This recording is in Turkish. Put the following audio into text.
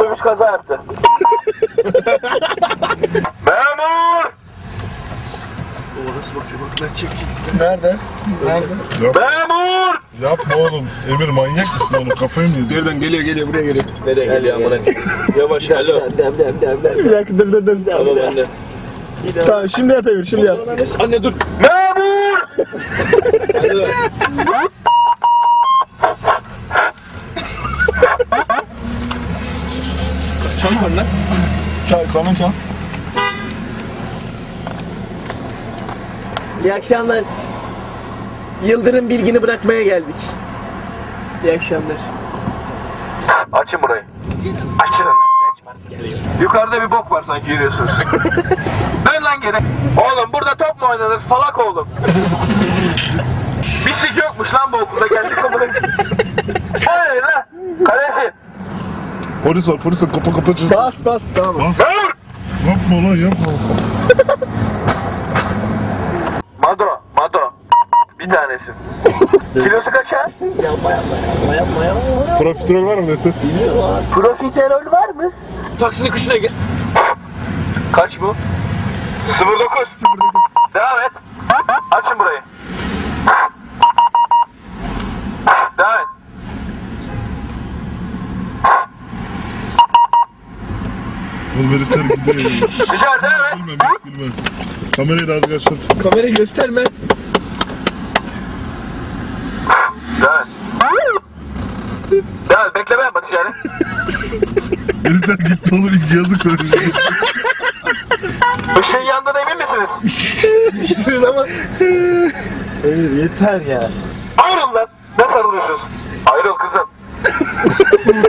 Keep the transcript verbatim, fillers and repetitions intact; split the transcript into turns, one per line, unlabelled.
minibüs kaza yaptı. Memur!
Orası bakıyor bak ben çekeyim.
Nerede? Nerede?
Yap,
Memur!
yapma oğlum. Emir manyak mısın oğlum? Kafayı mı yedin?
Nereden geliyor geliyor buraya geliyor.
Nereye geliyor amına? Yavaş alo.
Bir dakika dur dur dur.
Tamam anne.
Tamam şimdi yap Emir şimdi yap.
Anne dur.
Memur!
Hadi dur. Çal var lan.
Çal kanun çal.
İyi akşamlar. Yıldırım Bilgin'i bırakmaya geldik. İyi akşamlar.
Açın burayı. Açın lan. Yukarıda bir bok var sanki yürüyorsunuz. Dön lan geri. Oğlum burada top mu oynanır? Salak oğlum. Bir sik yokmuş lan bu okulda. Kendi kapını. Hayır lan. Kalesi.
Polis var, polis var. Kapa kapa çır.
Bas bas tamam.
Bas.
Memur!
Yapma lan yapma.
Mado. Mado. Bir tanesin. Kilosu kaça?
Profiterol var mı dedi?
Profiterol var mı?
Taksinin kışına gel.
Kaç bu? sıfır dokuz. Devam et. Açın burayı. Devam et.
Oğlum herifler gidiyor.
Güzel devam et.
Gülme, gülme. Kamerayı da az kaçtın.
Kamerayı gösterme.
Devam et. Devam et. Bekle ben bakış yani.
Herifler gitti oğlum ilk yazık söyleyecek.
Işığın yandığına emin misiniz?
Düştünüz ama.
Emir yeter ya.
Ayrıl lan. Ne sarılıyorsunuz? Ayrıl kızım.